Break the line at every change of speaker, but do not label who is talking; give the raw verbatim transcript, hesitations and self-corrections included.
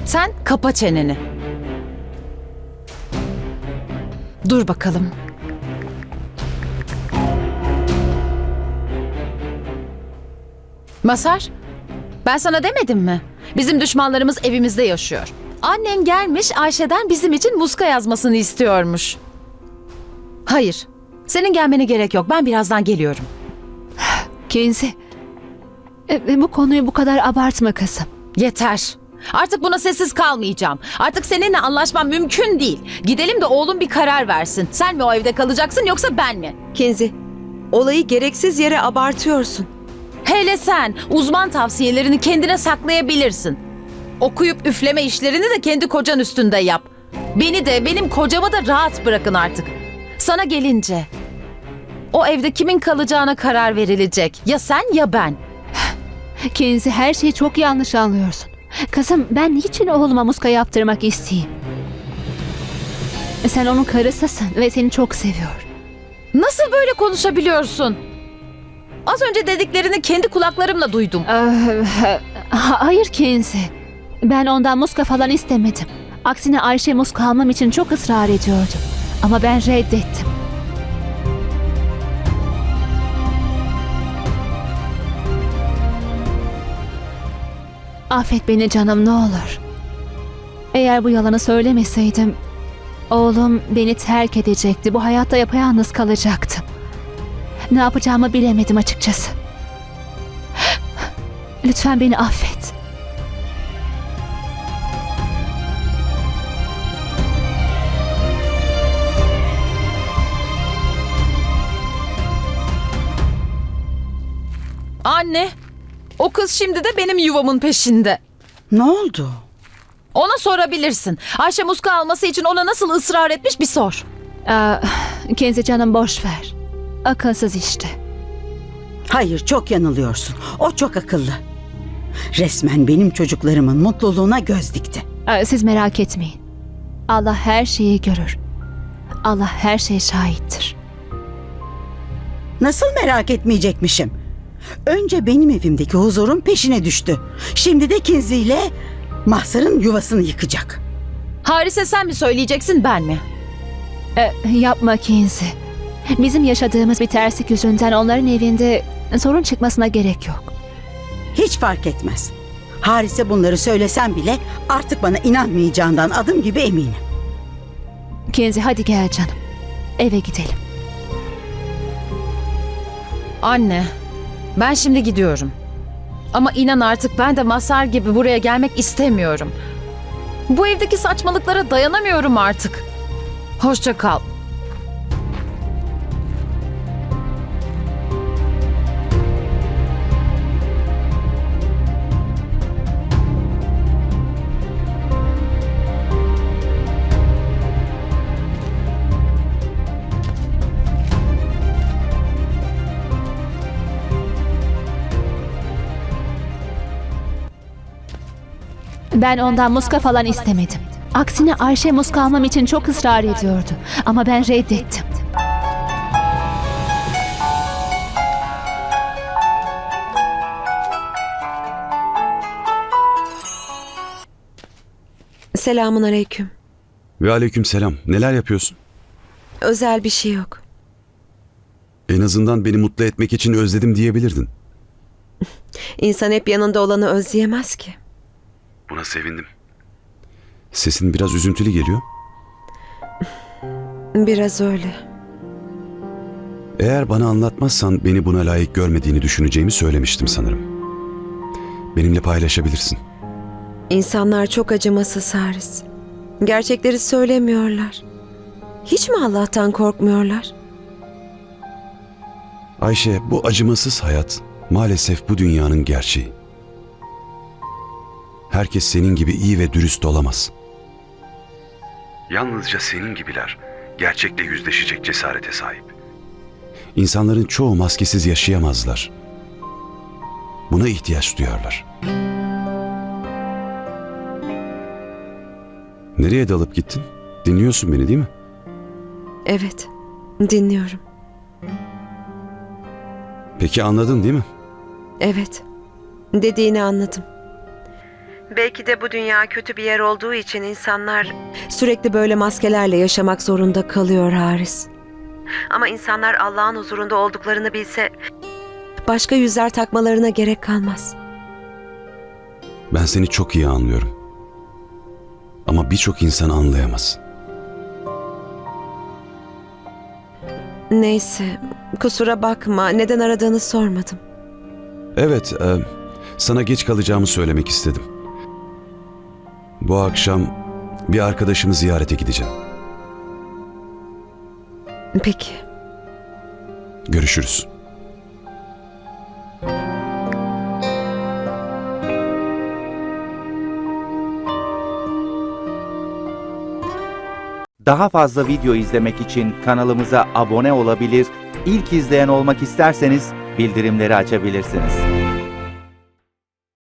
Sen kapa çeneni. Dur bakalım. Masar, ben sana demedim mi? Bizim düşmanlarımız evimizde yaşıyor. Annen gelmiş Ayşe'den bizim için muska yazmasını istiyormuş. Hayır, senin gelmene gerek yok. Ben birazdan geliyorum.
Kenzi, e, bu konuyu bu kadar abartma kızım.
Yeter. Artık buna sessiz kalmayacağım. Artık seninle anlaşmam mümkün değil. Gidelim de oğlum bir karar versin. Sen mi o evde kalacaksın yoksa ben mi?
Kenzi, olayı gereksiz yere abartıyorsun.
Hele sen uzman tavsiyelerini kendine saklayabilirsin. Okuyup üfleme işlerini de kendi kocan üstünde yap. Beni de benim kocamı da rahat bırakın artık. Sana gelince o evde kimin kalacağına karar verilecek. Ya sen ya ben.
Kenzi, her şeyi çok yanlış anlıyorsun. Kızım, ben niçin oğluma muska yaptırmak isteyeyim? Sen onun karısısın ve seni çok seviyor.
Nasıl böyle konuşabiliyorsun? Az önce dediklerini kendi kulaklarımla duydum.
Ee, ha- hayır Kenzi. Ben ondan muska falan istemedim. Aksine Ayşe muska almam için çok ısrar ediyordu. Ama ben reddettim. Affet beni canım, ne olur. Eğer bu yalanı söylemeseydim, oğlum beni terk edecekti. Bu hayatta yapayalnız kalacaktım. Ne yapacağımı bilemedim açıkçası. Lütfen beni affet.
Anne, o kız şimdi de benim yuvamın peşinde.
Ne oldu?
Ona sorabilirsin. Ayşe muska alması için ona nasıl ısrar etmiş bir sor.
Aa, Kenzi canım, boş ver. Akılsız işte.
Hayır, çok yanılıyorsun. O çok akıllı. Resmen benim çocuklarımın mutluluğuna göz dikti.
Aa, siz merak etmeyin. Allah her şeyi görür. Allah her şeye şahittir.
Nasıl merak etmeyecekmişim? Önce benim evimdeki huzurun peşine düştü. Şimdi de Kinzi ile Mahsar'ın yuvasını yıkacak.
Harise sen mi söyleyeceksin ben mi?
Ee, yapma Kenzi. Bizim yaşadığımız bir terslik yüzünden onların evinde sorun çıkmasına gerek yok.
Hiç fark etmez. Harise bunları söylesem bile artık bana inanmayacağından adım gibi eminim.
Kenzi, hadi gel canım. Eve gidelim.
Anne, ben şimdi gidiyorum. Ama inan artık ben de Masar gibi buraya gelmek istemiyorum. Bu evdeki saçmalıklara dayanamıyorum artık. Hoşça kal.
Ben ondan muska falan istemedim. Aksine Ayşe muska almam için çok ısrar ediyordu. Ama ben reddettim.
Selamun aleyküm.
Ve aleykümselam. Neler yapıyorsun?
Özel bir şey yok.
En azından beni mutlu etmek için özledim diyebilirdin.
İnsan hep yanında olanı özleyemez ki.
Buna sevindim. Sesin biraz üzüntülü geliyor.
Biraz öyle.
Eğer bana anlatmazsan beni buna layık görmediğini düşüneceğimi söylemiştim sanırım. Benimle paylaşabilirsin.
İnsanlar çok acımasız Haris. Gerçekleri söylemiyorlar. Hiç mi Allah'tan korkmuyorlar?
Ayşe, bu acımasız hayat maalesef bu dünyanın gerçeği. Herkes senin gibi iyi ve dürüst olamaz. Yalnızca senin gibiler gerçekle yüzleşecek cesarete sahip. İnsanların çoğu maskesiz yaşayamazlar. Buna ihtiyaç duyarlar. Nereye dalıp gittin? Dinliyorsun beni değil mi?
Evet, dinliyorum.
Peki anladın değil mi?
Evet, dediğini anladım. Belki de bu dünya kötü bir yer olduğu için insanlar sürekli böyle maskelerle yaşamak zorunda kalıyor Haris. Ama insanlar Allah'ın huzurunda olduklarını bilse başka yüzler takmalarına gerek kalmaz.
Ben seni çok iyi anlıyorum. Ama birçok insan anlayamaz.
Neyse, kusura bakma. Neden aradığını sormadım.
Evet, e, sana geç kalacağımı söylemek istedim. Bu akşam bir arkadaşımı ziyarete gideceğim.
Peki.
Görüşürüz.
Daha fazla video izlemek için kanalımıza abone olabilir, ilk izleyen olmak isterseniz bildirimleri açabilirsiniz.